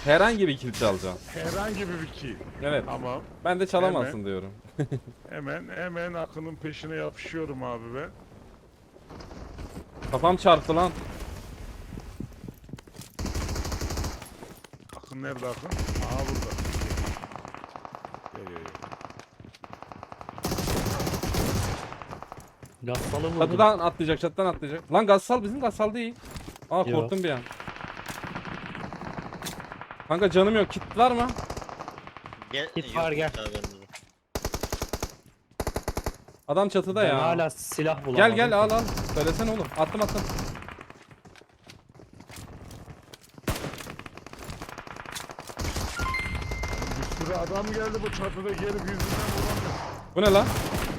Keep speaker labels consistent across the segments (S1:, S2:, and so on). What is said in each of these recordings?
S1: Herhangi bir kill çalacağım.
S2: Herhangi bir kill.
S1: Evet.
S2: Tamam.
S1: Ben de çalamazsın diyorum.
S2: Hemen Akın'ın peşine yapışıyorum abi ben.
S1: Kafam çarptı lan.
S2: Akın nerede Akın? Aa burada. Gel.
S3: Gassalı vurdum.
S1: Çatıdan atlayacak, çatıdan atlayacak. Lan Gassal bizim Gassal değil. Aa
S3: Yok.
S1: korktum bir an. Kanka canım yok. Kit var mı?
S4: Gel.
S3: Git
S4: yok
S3: var, gel.
S4: abi bende de.
S1: Adam çatıda
S3: Ben
S1: ya.
S3: hala silah bulamadım.
S1: Gel al. Söylesene oğlum. Attım.
S2: Bir sürü adam geldi bu çatıda gelip yüzünden vuramıyor.
S1: Bu ne lan?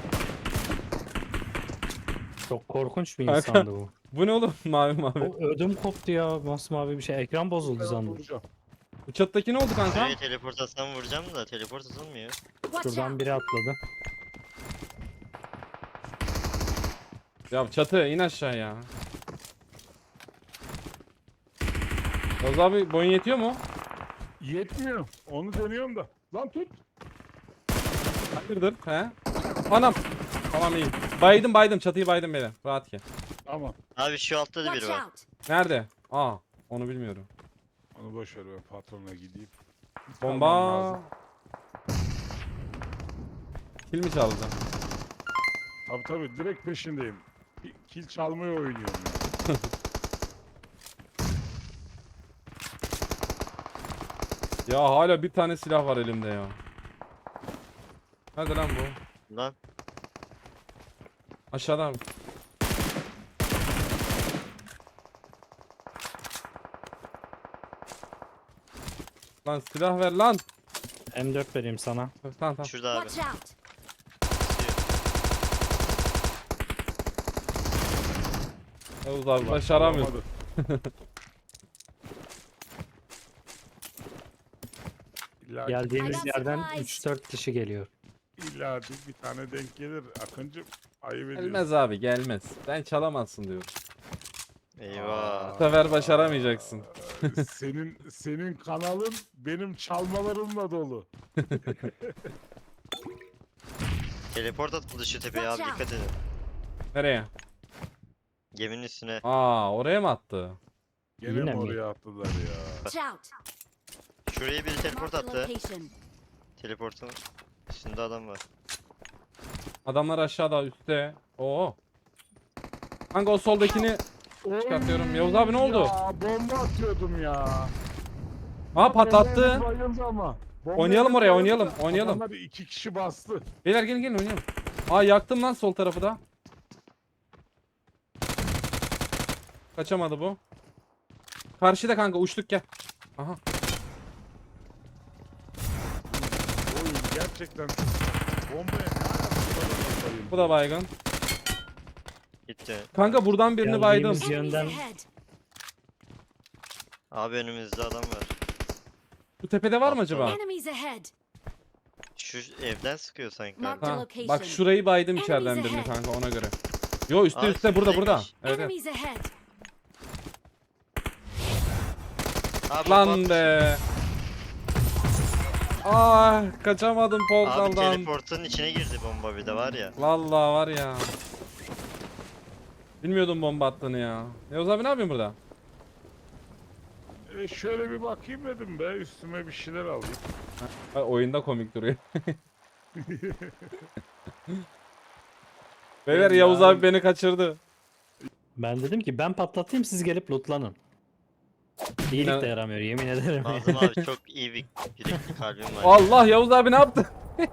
S3: Çok korkunç bir
S1: Kanka.
S3: insandı bu.
S1: Bu ne oğlum? Mavi.
S3: O ödüm koptu ya. Masmavi bir şey. Ekran bozuldu
S2: Ben
S3: sandım.
S2: vuracağım.
S1: Bu çattaki ne oldu kanka?
S4: Şuraya teleport atsam vuracağım da teleport atılmıyor.
S3: Şuradan biri atladı.
S1: Ya çatı in aşağı ya. Oğuz abi boyun yetiyor mu?
S2: Yetmiyor. Onu deniyorum da. Lan tut.
S1: Hayırdır? He? Anam. Tamam iyi. Baydım çatıyı baydım beni. Rahat ki.
S2: Tamam.
S4: Abi şu altta da biri var.
S1: Nerede? Aa onu bilmiyorum.
S2: Onu boş ver, ben patrona gideyim. Tamam,
S1: Bomba.
S2: lazım.
S1: Kill mi çalacağım?
S2: Tabii direkt peşindeyim. Kill çalmayı oynuyorum ya.
S1: Ya hala bir tane silah var elimde ya. Nerede lan bu?
S4: Lan
S1: Aşağıda abi. Lan silah ver lan.
S3: M4 vereyim sana.
S1: Tamam.
S4: şurada abi.
S5: Watch out!
S1: Yavuz abi başaramıyor.
S2: Olamadı. İlla,
S3: Geldiğimiz
S5: I got
S3: yerden
S5: supplies.
S3: 3-4 kişi geliyor.
S2: illa bir tane denk gelir. Akıncım ayıp ediyorsun.
S1: Gelmez abi gelmez. Ben çalamazsın diyorum.
S4: Eyvah.
S1: Bu sefer başaramayacaksın.
S2: Senin kanalın benim çalmalarımla dolu.
S4: Teleport atıldı şu tepeye abi, dikkat edin.
S1: Nereye?
S4: Geminin üstüne.
S1: Aa oraya mı attı?
S2: Gene
S3: Yine
S2: mi
S3: mi?
S2: oraya attılar ya?
S5: Watch out!
S4: Şuraya biri teleport
S5: Mark the
S4: attı.
S5: location.
S4: Teleportun üstünde adam var.
S1: Adamlar aşağıda üstte. Oo. Kanka o soldakini çıkartıyorum. Yavuz abi ne oldu?
S2: Ya bomba atıyordum ya.
S1: Aa patlattı.
S2: Bomba bayıldı ama. Bomba
S1: Oynayalım oraya,
S2: bayıldı.
S1: oynayalım.
S2: Adamlar 2 kişi bastı.
S1: Beyler gelin oynayalım. Aa yaktım lan sol tarafı da. Kaçamadı bu. Karşıda kanka uçtuk gel. Aha.
S2: Oyun gerçekten bombaya ne alakası bayıldı.
S1: Bu da baygın.
S4: Gitti.
S1: Kanka buradan birini
S3: Geldiğimiz
S1: baydım.
S3: yer-
S5: Enemies
S3: Yönden-
S5: ahead.
S4: Abi önümüzde adam var.
S1: Bu tepede var mı acaba?
S5: Enemies ahead.
S4: Şu evden sıkıyor sanki
S5: Mark
S4: kanka.
S1: Ha,
S5: location.
S1: bak şurayı baydım
S5: Enemies
S1: içeriden birini
S5: ahead.
S1: kanka ona göre. Yo üstte
S4: Aa,
S1: üstte burada.
S4: üstümüzdeymiş.
S1: Evet, evet.
S5: Enemies ahead.
S4: Abi
S1: Lan
S4: bot.
S1: be. Ah kaçamadım
S4: Abi
S1: portaldan.
S4: teleportun içine girdi bomba bir de var ya.
S1: Vallahi var ya. Bilmiyordum bomba attığını ya. Yavuz abi ne yapıyorsun burada?
S2: Şöyle bir bakayım dedim be, üstüme bir şeyler alayım.
S1: Ha, oyunda komik duruyor. Beyler
S2: Ya.
S1: Yavuz abi beni kaçırdı.
S3: Ben dedim ki ben patlatayım, siz gelip lootlanın. İyilik de yaramıyor, yemin ederim.
S4: Nazım abi çok iyi bir yürekli kalbim var.
S1: Allah Yavuz abi ne yaptı?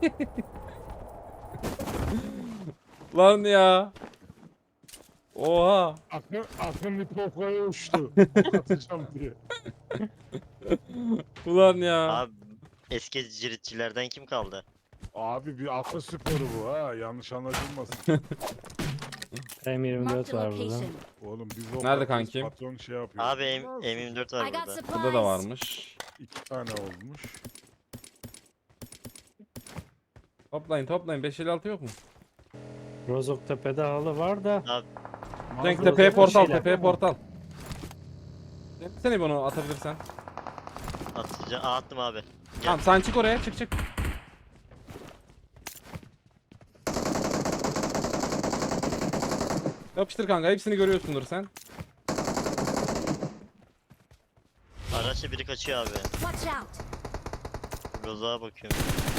S1: Lan ya. Oha.
S2: Akın bir pokoya uçtu. Atacağım diye.
S1: Ulan ya.
S4: Abi eski ciritçilerden kim kaldı?
S2: Abi bir akıl sporu bu ha. Yanlış anlaşılmasın.
S5: Mark
S3: M24
S5: the
S3: var burada.
S5: location.
S2: Oğlum biz o
S1: Nerede
S2: patron-
S1: kanki?
S2: patron şey yapıyor.
S4: Abi M24 var
S5: I got
S4: burada.
S5: supplies.
S1: Burada da varmış.
S2: 2 tane olmuş.
S1: Toplayın. 556 yok mu?
S3: Rozok tepede halı var da.
S4: Abi
S1: Cenk
S3: Burada
S1: tepeye
S3: da
S1: portal,
S3: şeyler
S1: tepeye
S2: var.
S1: portal. Seni bunu atabilirsen.
S4: Atacağım. Attım abi.
S1: Tamam sen çık oraya, çık. Yapıştır kanka, hepsini görüyorsundur sen.
S4: Araçla biri kaçıyor abi.
S5: Watch out!
S4: Rozağa bakıyorum.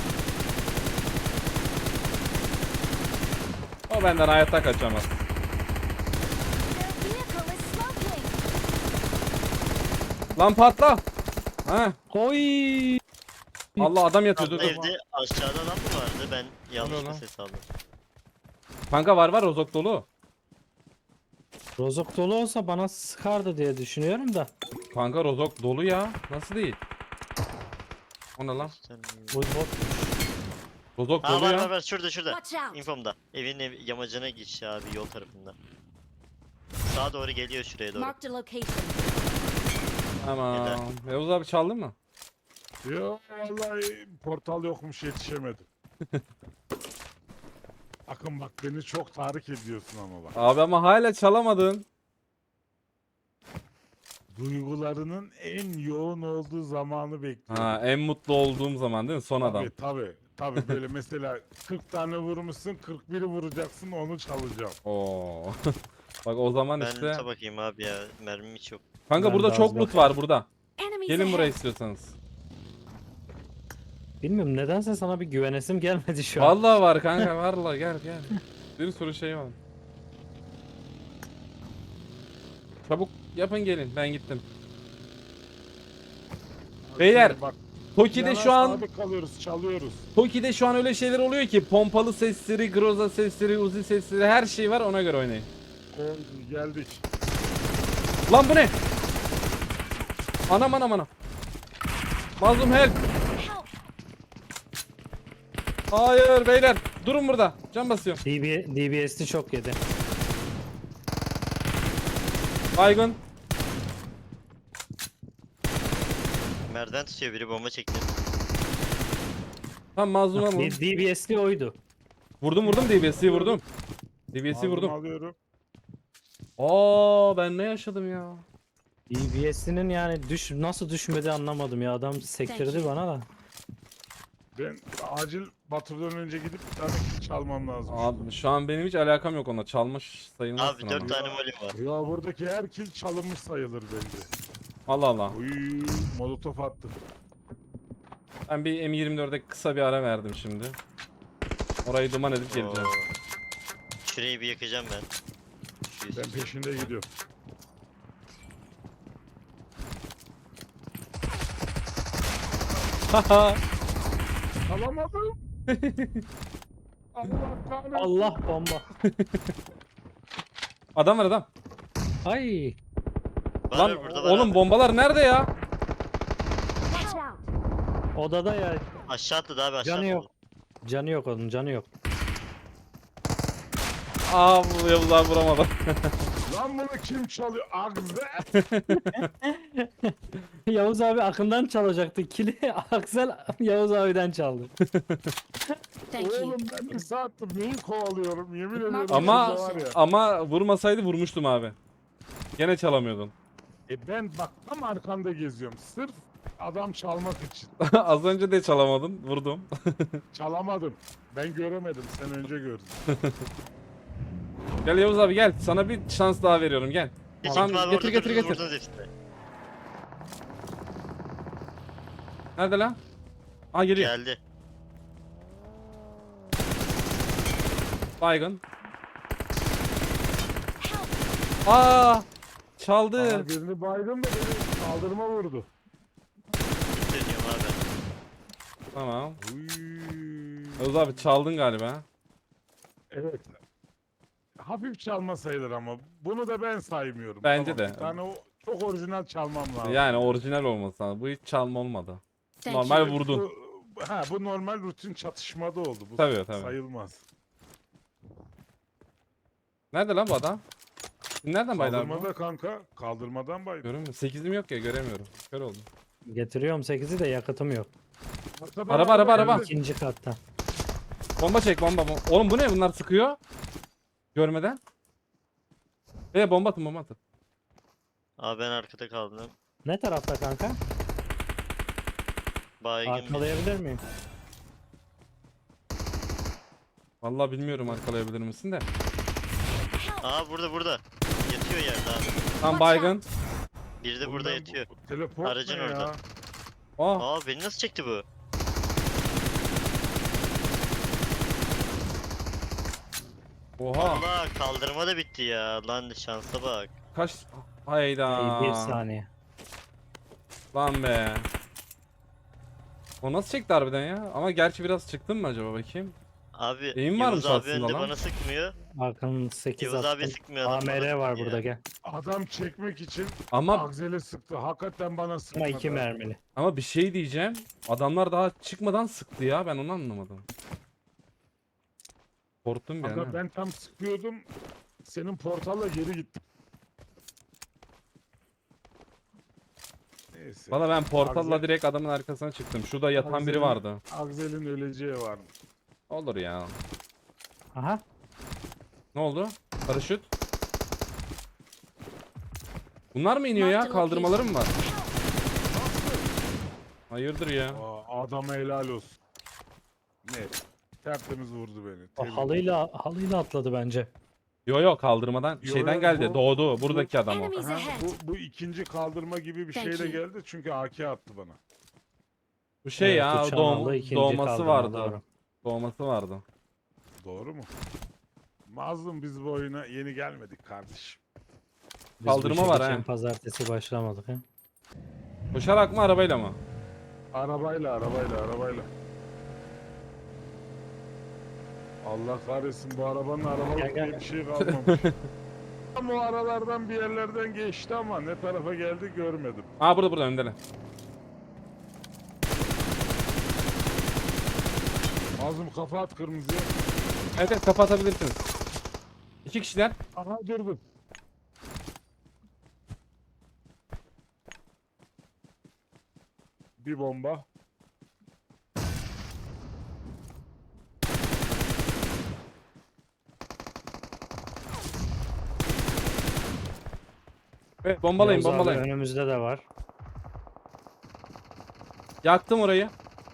S1: O benden hayatta kaçamaz.
S5: Their vehicle is smoking!
S1: Lan patla. Ha.
S3: Oy.
S1: Allah adam yatıyor, dur
S4: Abla
S1: dur.
S4: evde aşağıda adam mı vardı? Ben yanlışlıkla
S1: lan?
S4: ses aldım.
S1: Kanka var rozok dolu.
S3: Rozok dolu olsa bana sıkardı diye düşünüyorum da.
S1: Kanka rozok dolu ya. Nasıl değil? O ne lan?
S3: Bu bot.
S1: Rozok
S4: Ha
S1: dolu
S4: var
S1: ya.
S4: var var şurada şurada.
S5: Watch out!
S4: Infomda. Evin yamacına geç abi yol tarafında. Sağa doğru geliyor şuraya doğru.
S5: Marked a location.
S1: Tamam. Yavuz abi çaldın mı?
S2: Yo vallahi portal yokmuş yetişemedim. Akın bak beni çok tahrik ediyorsun ama bak.
S1: Abi ama hala çalamadın.
S2: Duygularının en yoğun olduğu zamanı bekliyorum.
S1: Ha, en mutlu olduğum zaman değil mi? Son adam.
S2: Tabii böyle mesela 40 tane vurmuşsun 41'i vuracaksın onu çalacağım.
S1: Oo. Bak o zaman
S4: Ben
S1: işte.
S4: loot'a bakayım abi ya. Mermim hiç yok.
S1: Kanka
S3: Ben
S1: burada
S3: de
S1: çok
S3: az
S1: loot var burada.
S5: Enemies
S1: Gelin buraya
S5: ahead!
S1: istiyorsanız.
S3: Bilmiyorum nedense sana bir güvenesim gelmedi şu an.
S1: Vallahi var kanka, vallahi gel. Bir sürü şey var. Çabuk yapın gelin, ben gittim. Beyler,
S2: Bak,
S1: Toki'de
S2: yana
S1: şu an
S2: sabit kalıyoruz çalıyoruz.
S1: Toki'de şu an öyle şeyler oluyor ki pompalı sesleri, groza sesleri, uzi sesleri her şey var, ona göre oynayın.
S2: Geldik.
S1: Lan bu ne? Anam. Mazlum help.
S5: Help!
S1: Hayır beyler, durun burada. Can basıyorum.
S3: DBS'li çok yedi.
S1: Baygın.
S4: Merdiven tutuyor biri bomba çekti.
S1: Tam mazluma vurdum.
S3: DBS'li oydu.
S1: Vurdum DBS'yi vurdum. DBS'yi
S2: Aldım,
S1: vurdum.
S2: alıyorum.
S1: Aa ben ne yaşadım ya?
S3: DBS'inin yani nasıl düşmedi anlamadım ya. Adam sektirdi bana da.
S2: Ben acil Batur'dan önce gidip bir tane kill çalmam lazım.
S1: Abi şu an benim hiç alakam yok ona. Çalmış sayılmazsın
S4: Abi 4
S1: ama.
S4: tane molim var.
S2: Ya buradaki her kill çalınmış sayılır bence.
S1: Allah Allah.
S2: Uy, molotof attı.
S1: Ben bir M24'e kısa bir ara verdim şimdi. Orayı duman edip geleceğim.
S4: Oo. Şurayı bir yakacağım ben. Şu
S2: Ben peşinde gidiyorum.
S1: Haha.
S2: Alamadım. Allah kahretsin.
S3: Allah bomba.
S1: Adam var adam.
S3: Ay.
S4: Var
S1: Lan
S4: var, burada var
S1: oğlum
S4: abi.
S1: bombalar nerede ya?
S5: Watch out!
S3: Odada ya.
S4: Aşağı atladı abi aşağı
S3: Canı yok.
S4: atladı.
S3: Canı yok onun canı yok.
S1: Aa bu Yavuzlar vuramadı.
S2: Lan bunu kim çalıyor? Agze.
S3: Yavuz abi Akın'dan çalacaktı. Kili Aksel Yavuz abiden çaldı.
S5: Thank you.
S2: Oğlum ben bir saattir neyi kovalıyorum yemin ediyorum.
S1: Ama
S2: şurada var ya.
S1: ama vurmasaydı vurmuştum abi. Gene çalamıyordun.
S2: Ben bak tam arkanda geziyorum. Sırf adam çalmak için.
S1: Az önce de çalamadın, vurdum.
S2: Çalamadım. Ben göremedim. Sen önce gördün.
S1: Gel Yavuz abi gel. Sana bir şans daha veriyorum gel.
S4: Hiç
S1: Tamam,
S4: gitme abi,
S1: getir,
S4: orada
S1: getir,
S4: durdunuz,
S1: getir.
S4: vurdunuz hepsini.
S1: Nerede lan? Aa geliyor.
S4: Geldi.
S1: Baygın.
S5: Help!
S1: Aa! Çaldı.
S2: Aa, birini baydım da beni kaldırıma vurdu.
S4: Git dönüyorum abi.
S1: Tamam.
S2: Uy.
S1: Yavuz abi çaldın galiba.
S2: Evet. Hafif çalma sayılır ama bunu da ben saymıyorum.
S1: Bence
S2: Tamam,
S1: de.
S2: Bir tane o çok orijinal çalmam lazım.
S1: Yani orijinal olması lazım. Bu hiç çalma olmadı.
S5: Thank
S1: Normal
S5: you.
S1: vurdun.
S2: Bu normal rutin çatışmada oldu. Bu
S1: Tabii, tabii.
S2: sayılmaz.
S1: Nerede lan bu adam? Siz nereden baydı abi bu?
S2: Kaldırmada kanka. Kaldırmadan baydım.
S1: Görüyor musun? 8'im yok ya, göremiyorum. Kör oldum.
S3: Getiriyorum 8'i de yakıtım yok.
S2: Arkadan
S1: Araba.
S2: geldi.
S3: İkinci katta.
S1: Bomba çek bomba. Oğlum bu ne? Bunlar sıkıyor. Görmeden. Bomba atın.
S4: Abi ben arkada kaldım.
S3: Ne tarafta kanka?
S4: Baygın bir.
S3: Arkalayabilir miyim?
S1: Vallahi bilmiyorum arkalayabilir misin de.
S4: Aa burada. Yatıyor yerde abi.
S1: Tam baygın.
S4: Biri de
S2: Oğlum
S4: burada
S2: ben
S4: yatıyor.
S2: bu Teleport
S4: Aracın
S2: ne
S4: orada.
S2: ya?
S1: Aa,
S4: Aa beni nasıl çekti bu?
S1: oha.
S4: Allah kaldırma da bitti ya. Lan şansa bak.
S1: Kaç? Hayda.
S3: Bir saniye.
S1: Lan be. O nasıl çekti harbiden ya? Ama gerçi biraz çıktın mı acaba bakayım?
S4: Abi
S1: Eğim
S4: Yavuz
S1: varmış
S4: abi
S1: aslında
S4: önde
S1: lan.
S4: bana sıkmıyor.
S3: Arkanın 8
S4: Yavuz abi
S3: attım.
S4: sıkmıyor adam.
S3: AMR
S4: bana
S3: var
S4: sıkıyor.
S3: burada gel.
S2: Adam çekmek için
S1: Ama
S2: Akzel'e sıktı. Hakikaten bana sıkmadı.
S3: Ama 2 mermili.
S1: bir şey diyeceğim. Adamlar daha çıkmadan sıktı ya. Ben onu anlamadım. Korktum bir an.
S2: Aga
S1: ha.
S2: ben tam sıkıyordum. Senin portalla geri gittim. Neyse.
S1: Valla ben portalla
S2: Akzel-
S1: direkt adamın arkasına çıktım. Şurada yatan biri
S2: Akzel'in-
S1: vardı.
S2: Akzel'in öleceği var mı?
S1: Olur ya.
S3: Aha.
S1: Ne oldu? Paraşüt. Bunlar mı iniyor ya? Kaldırmaları mı var? Hayırdır ya?
S2: Aa, adama helal olsun. Ne? Tertemiz vurdu beni.
S3: O
S2: Tebrik.
S3: halıyla atladı bence.
S1: Yo kaldırmadan
S2: Yo,
S1: şeyden
S2: yo,
S1: geldi.
S2: bu-
S1: Doğdu. Buradaki adam o.
S5: Enemies
S2: Aha,
S5: ahead.
S2: bu ikinci kaldırma gibi bir
S5: Thank
S2: şeyle
S5: you.
S2: geldi çünkü AK attı bana.
S1: Bu şey
S3: Evet,
S1: ya
S3: uçağın aldığı ikinci
S1: doğması
S3: kaldırma,
S1: vardı.
S3: doğru.
S1: Doğması vardı.
S2: Doğru mu? Mazlum biz bu oyuna yeni gelmedik kardeşim.
S3: Biz
S1: Kaldırma
S3: bu
S1: var
S3: işe
S1: ha.
S3: geçen pazartesi başlamadık ha.
S1: Koşarak mı arabayla mı?
S2: Arabayla. Allah kahretsin bu arabanın arabalık
S3: Gel, gel,
S2: diye bir şey kalmamış. Tam o aralardan bir yerlerden geçti ama ne tarafa geldi görmedim.
S1: Aa burada öndeler.
S2: Mazlum kafa at kırmızıya.
S1: Evet evet kapatabilirsiniz. İki kişiler.
S2: Aha durdum. Bir bomba.
S1: Evet bombalayın
S3: Yavuz abi
S1: bombalayın.
S3: önümüzde de var.
S1: Yaktım orayı.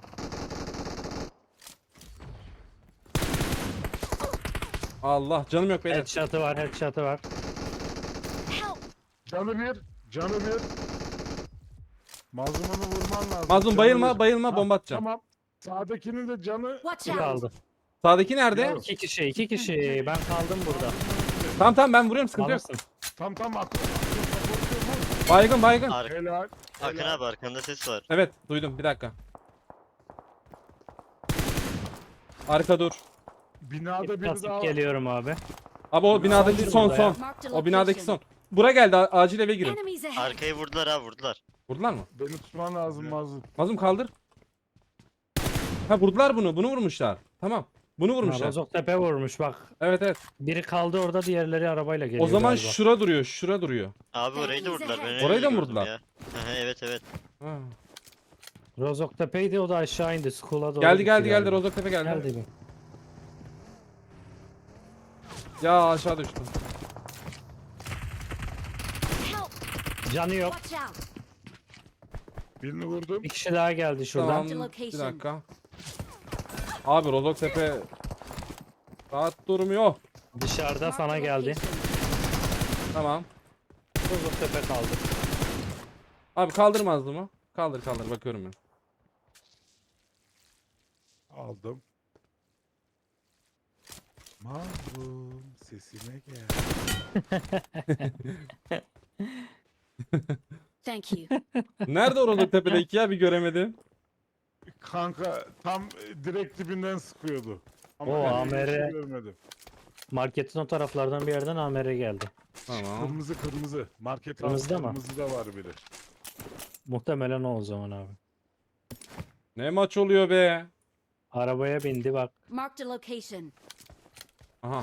S1: Allah canım yok beyler.
S3: Headshot'ı var.
S5: Help!
S2: Canı bir. Mazlum onu vurman lazım.
S1: Mazlum
S2: Canı
S1: bayılma
S2: bir.
S1: bayılma
S2: Ha,
S1: bomba atacağım.
S2: Tamam. Sağdakinin de canı
S5: Watch
S3: Bir
S5: out!
S3: kaldı.
S1: Sağdaki nerede?
S2: Ya.
S3: 2 kişi. Ben kaldım burada.
S1: Tamam ben vuruyorum sıkıntı yok.
S3: Alırsın.
S2: tam akıl.
S1: Baygın.
S2: Helal.
S4: Akın
S2: helal.
S4: abi arkanda ses var.
S1: Evet duydum bir dakika. Arka dur.
S2: Binada biri
S3: Basıp
S2: daha var.
S3: geliyorum abi.
S1: Abi o binadaki
S3: biri
S1: son
S3: burada ya.
S1: son.
S5: Marked a
S1: O binadaki
S5: location.
S1: son. Bura geldi acil eve girin.
S5: Enemies ahead!
S4: Arkayı vurdular ha vurdular.
S1: Vurdular mı?
S2: Beni tutman lazım Mazlum.
S1: Mazlum kaldır. Ha vurdular bunu. Bunu vurmuşlar. Tamam. Bunu vurmuşlar.
S3: Rozok tepe vurmuş bak.
S1: Evet evet.
S3: Biri kaldı orada, diğerleri arabayla geliyor
S1: O zaman
S3: galiba.
S1: şura duruyor. Şura duruyor.
S4: Abi orayı da vurdular. Ben öyle
S1: Orayı da mı
S4: gördüm
S1: vurdular?
S4: ya. Aha, evet.
S1: Ha.
S3: Rozok tepeydi, o da aşağı indi. School'a doğru
S1: Geldi
S3: gitti
S1: geldi
S3: galiba.
S1: Rozoktepe geldi.
S3: Geldi mi?
S1: Ya aşağı düştüm.
S5: Help!
S3: Canı yok.
S5: Watch out!
S2: Birini vurdum.
S3: Bir kişi daha geldi şuradan.
S1: Tamam.
S5: Marked
S1: Bir
S5: location.
S1: dakika. Abi Rozoktepe rahat durmuyor.
S3: Dışarıda
S5: Marked
S3: sana
S5: a
S3: geldi.
S5: location.
S1: Tamam.
S3: Rozok tepe kaldı.
S1: Abi kaldırmazdı mı? Kaldır bakıyorum ben.
S2: Aldım. Mazlum sesime gel.
S5: Thank you.
S1: Nerede o Rozoktepe'deki ya bir göremedim.
S2: Kanka tam direkt dibinden sıkıyordu. Ama
S3: O
S2: ben öyle bir şey
S3: AMR.
S2: görmedim.
S3: Marketin o taraflardan bir yerden AMR geldi.
S1: Tamam.
S2: Kırmızı. Market
S3: Kırmızıda mı?
S2: kırmızıda var biri.
S3: Muhtemelen o zaman abi.
S1: Ne maç oluyor be?
S3: Arabaya bindi bak.
S5: Marked a location.
S1: Aha.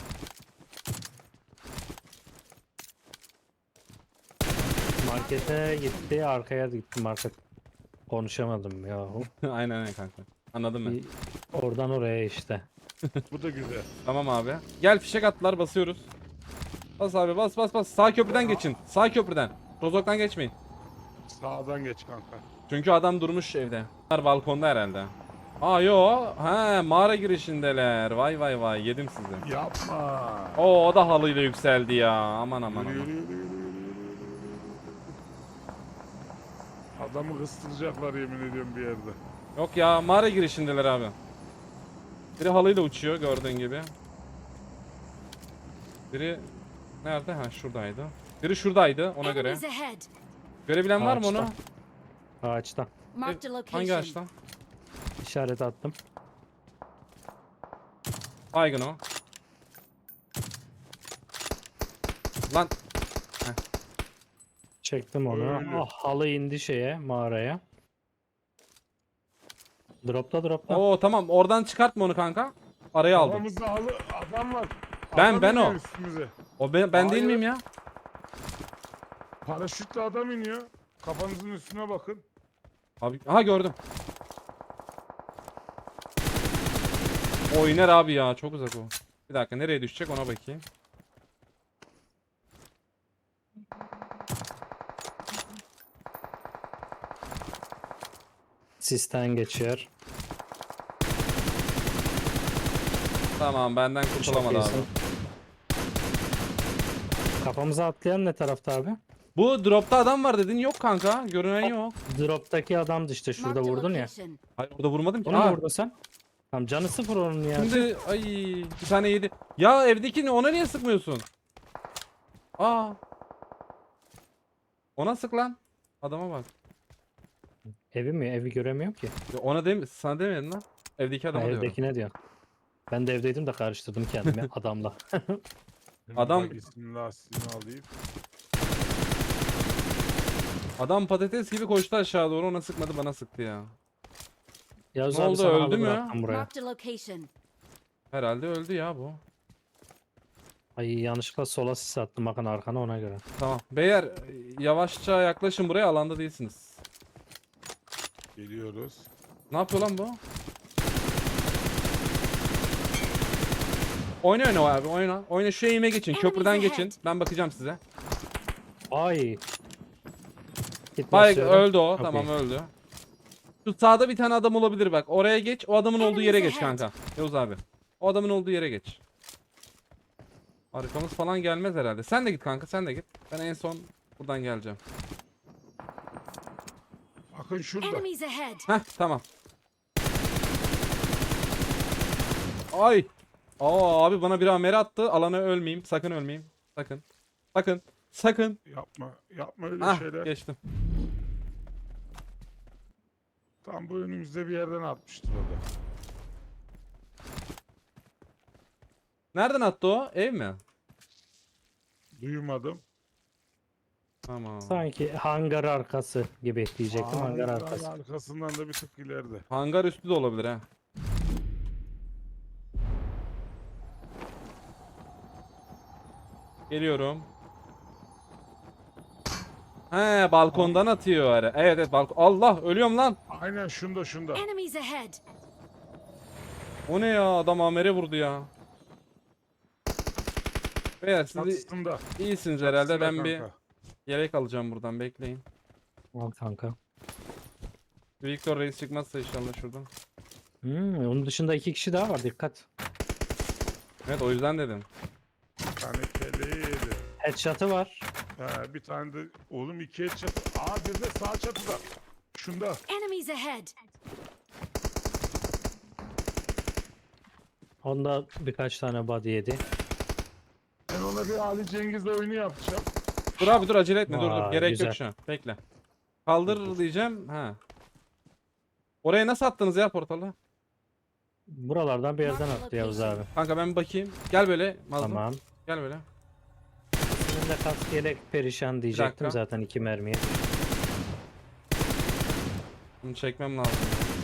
S3: Markete gitti, arkaya gitti market. Konuşamadım ya.
S1: aynen kanka. Anladım ben.
S3: Oradan oraya işte.
S2: Bu da güzel.
S1: Tamam abi. Gel fişek attılar basıyoruz. Bas abi bas. Sağ köprüden geçin. Sağ köprüden. Rozok'tan geçmeyin.
S2: Sağdan geç kanka.
S1: Çünkü adam durmuş evde. Bunlar balkonda herhalde. Aa yo. He mağara girişindeler. Vay vay vay yedim sizi.
S2: Yapma.
S1: Oo o da halıyla yükseldi ya. Aman aman
S2: Yürü,
S1: aman.
S2: yürü, yürü, yürü, yürü, yürü. Adamı kıstıracaklar yemin ediyorum bir yerde.
S1: Yok ya mağara girişindeler abi. Biri halıyla uçuyor gördüğün gibi. Biri nerede? Ha şuradaydı. Biri şuradaydı ona göre.
S5: Enemies ahead.
S1: Görebilen var mı onu?
S3: Ağaçta. Ağaçta.
S5: Marked a location.
S1: Hangi ağaçtan?
S3: İşaret attım.
S1: Baygın o. Lan
S3: Çektim onu.
S2: Öyle.
S3: Ah, halı indi şeye, mağaraya. Dropta.
S1: oo tamam oradan çıkartma onu kanka. Araya aldım.
S2: Kafamızda halı adam var.
S1: Ben-
S2: Adam
S1: ben
S2: iniyor
S1: o.
S2: Üstümüze.
S1: O ben değil
S2: Hayır.
S1: miyim ya?
S2: Paraşütle adam iniyor. Kafanızın üstüne bakın.
S1: Abi aha gördüm. O iner abi ya çok uzak o. Bir dakika nereye düşecek ona bakayım.
S3: Sisten geçiyor.
S1: Tamam benden kurtulamadı
S3: Çok
S1: abi.
S3: iyisin. Kafamıza atlayan ne tarafta abi?
S1: Bu dropta adam var dedin yok kanka. Görünen yok.
S3: Droptaki adamdı işte, şurada
S5: Marked a
S3: vurdun ya.
S5: location.
S1: Hayır orada vurmadım ki.
S3: Onu mu
S1: Aa,
S3: vurdun sen? Tamam, canı sıfır onun ya.
S1: şimdi ay bir tane yedi. Ya evdekini ona niye sıkmıyorsun? Aa. Ona sık lan. Adama bak.
S3: Evi mi? Evi göremiyorum ki.
S1: Ya ona dem sana demedim lan. Evdeki
S3: Ha,
S1: adama diyorum.
S3: evdekine diyor. Ben de evdeydim de karıştırdım kendimi adamla.
S1: Adam-
S2: Bak ismini lastiğini alayım.
S1: Adam patates gibi koştu aşağı doğru ona sıkmadı bana sıktı ya.
S3: Yavuz
S1: Ne
S3: abi
S1: oldu,
S3: sana
S1: öldü
S3: halı
S1: mü?
S3: bıraktım buraya.
S5: Marked a location.
S1: Herhalde öldü ya bu.
S3: Ay, yanlışlıkla sola sis attım bakın arkana, ona göre.
S1: Tamam. Beyler yavaşça yaklaşın buraya alanda değilsiniz.
S2: Geliyoruz.
S1: Ne yapıyor lan bu? Oyna abi oyna. Oyna şu eğime geçin.
S5: Enemies
S1: Köprüden
S5: ahead.
S1: geçin. Ben bakacağım size.
S3: Ay. Git
S1: Bay
S3: basıyorum.
S1: öldü o.
S3: Çok
S1: Tamam
S3: iyi.
S1: öldü. Şu sağda bir tane adam olabilir bak. Oraya geç. O adamın olduğu yere
S5: Enemies
S1: geç
S5: ahead.
S1: kanka. Yavuz abi. O adamın olduğu yere geç. Arkamız falan gelmez herhalde. Sen de git kanka sen de git. Ben en son buradan geleceğim.
S2: Bakın şurada.
S5: Enemies ahead.
S1: Heh tamam. Ay. Aa abi bana bir amere attı. Alana ölmeyeyim. Sakın ölmeyeyim. Sakın. Sakın. Sakın.
S2: Yapma. Yapma öyle
S1: Ah
S2: şeyler.
S1: geçtim.
S2: Tam bu önümüzde bir yerden atmıştır o da.
S1: Nereden attı o? Ev mi?
S2: Duymadım.
S1: Tamam.
S3: Sanki hangar arkası gibi diyecektim, hangar
S2: Hangar
S3: arkası.
S2: arkasından da bir tık ileride.
S1: Hangar üstü de olabilir ha. Geliyorum. He balkondan atıyor ara. Evet evet balkon. Allah ölüyorum lan.
S2: Aynen şunda.
S5: Enemies ahead.
S1: O ne ya adam amere vurdu ya. Beyler siz
S2: Çatısında.
S1: iyisiniz herhalde. Ben
S2: Çatısında
S1: bir
S2: kanka.
S1: yelek alacağım buradan bekleyin.
S3: Al kanka.
S1: Victor Reis çıkmazsa inşallah şuradan.
S3: Onun dışında 2 kişi daha var, dikkat.
S1: Evet o yüzden dedim.
S2: Bir tane keleği yedi.
S3: Headshot'ı var.
S2: Bir tane de oğlum ikiye çatı. Aa bir de sağ çatıda. Şunda.
S5: Enemies ahead.
S3: Onda birkaç tane body yedi.
S2: Ben ona bir Ali Cengiz oyunu yapacağım.
S1: Dur abi dur acele etme dur dur.
S3: Vay,
S1: Gerek
S3: güzel.
S1: yok şu an. Bekle. Kaldır diyeceğim. Ha. Oraya nasıl attınız ya portalı?
S3: Buralardan bir yerden attı Yavuz abi.
S1: Kanka ben bir bakayım. Gel böyle Mazlum.
S3: Tamam.
S1: Gel böyle.
S3: Senin de kask yelek perişan diyecektim,
S1: dakika.
S3: zaten 2 mermiye.
S1: Bunu çekmem lazım.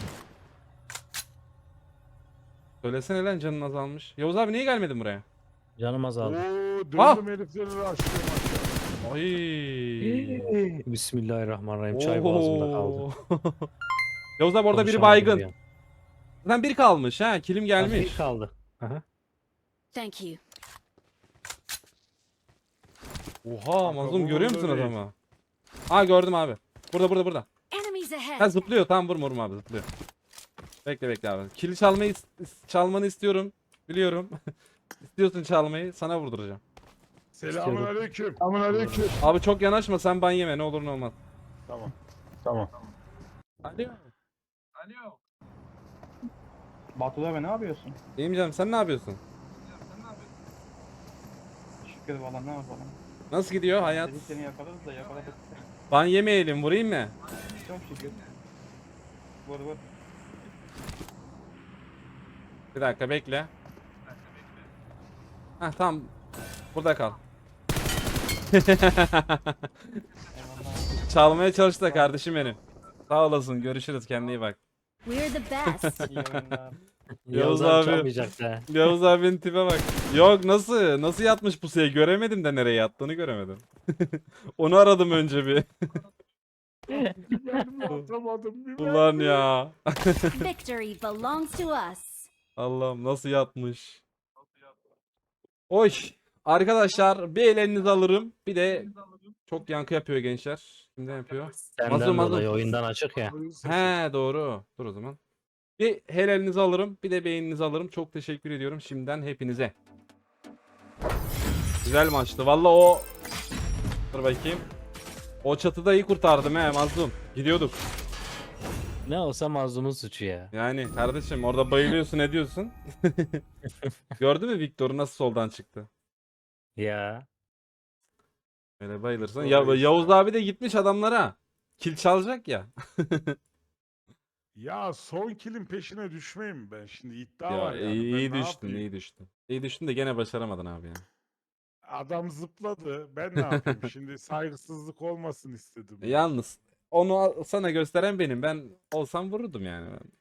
S1: Söylesene lan canın azalmış. Yavuz abi niye gelmedin buraya?
S3: Canım
S2: Oo
S3: azaldı.
S2: döndüm
S1: Ah!
S2: herifleri açıyorum aşağı.
S1: Ay.
S3: Bismillahirrahmanirrahim. Çay boğazımda kaldı.
S1: Oo. Yavuz abi orada biri
S3: Konuşamadım
S1: baygın.
S3: bir an.
S1: Zaten biri kalmış ha. Kilim
S3: Bir
S1: gelmiş.
S3: kaldı. Aha.
S5: Thank you.
S1: Oha mazlum
S2: bu
S1: görüyor
S2: orada
S1: musun
S2: değil.
S1: adamı? Ha gördüm abi. Burada.
S5: Enemies
S1: Ha
S5: ahead.
S1: zıplıyor. Tamam vurma abi zıplıyor. Bekle abi. Kill çalmanı istiyorum. Biliyorum. İstiyorsun çalmayı. Sana vurduracağım.
S2: Selamünaleyküm. Selamünaleyküm.
S1: Abi çok yanaşma sen ban yeme ne olur ne olmaz.
S2: Tamam. Tamam.
S1: Alo.
S6: Batu abi ne yapıyorsun?
S1: İyiyim canım sen ne yapıyorsun?
S6: Şükür valla ne yapalım.
S1: Nasıl gidiyor hayat?
S6: Dedik seni yakalarız da yakaladık.
S1: Ban yemeyelim vurayım mı?
S6: Çok şükür. Vur.
S1: Bir dakika bekle. Heh tamam. Burada kal.
S6: Eyvallah.
S1: Çalmaya çalıştı da kardeşim benim. Sağ olasın görüşürüz kendine iyi bak.
S5: We're the best.
S6: İyi oyunlar.
S1: Yavuz
S3: Yavuz
S1: abi.
S3: abi çalmayacak da.
S1: Yavuz abinin tipe bak. Yok nasıl yatmış pusuya göremedim de nereye yattığını göremedim. Onu aradım önce bir.
S2: Ben mi atamadım? Bir ben
S1: Ulan
S2: mi?
S1: ya.
S5: Victory belongs to us.
S1: Allah'ım nasıl yatmış. Oy. Arkadaşlar bir elinizi alırım. Bir de çok yankı yapıyor gençler. Kimden yapıyor?
S3: Senden
S1: Mazlum.
S3: dolayı oyundan açık ya.
S1: He doğru. Dur o zaman. Bir helalinizi alırım. Bir de beğeninizi alırım. Çok teşekkür ediyorum şimdiden hepinize. Güzel maçtı. Valla o... Dur bakayım. O çatıda iyi kurtardım he Mazlum. Gidiyorduk.
S3: Ne olsa mazlumun suçu ya.
S1: Yani kardeşim orada bayılıyorsun ediyorsun. Gördün mü Victor'u nasıl soldan çıktı?
S3: Ya.
S1: Öyle bayılırsan.
S2: Doğru
S1: Ya,
S2: işte.
S1: Yavuz abi de gitmiş adamlara. Kill çalacak ya.
S2: Ya son kilin peşine düşmeyeyim ben. Şimdi iddia
S1: Ya
S2: var yani.
S1: iyi
S2: Ben ne
S1: düştün,
S2: yapayım?
S1: iyi düştün. İyi düştün de gene başaramadın abi ya.
S2: Adam zıpladı. Ben ne yapayım? Şimdi saygısızlık olmasın istedim.
S1: Yalnız onu sana gösteren benim. Ben olsam vururdum yani.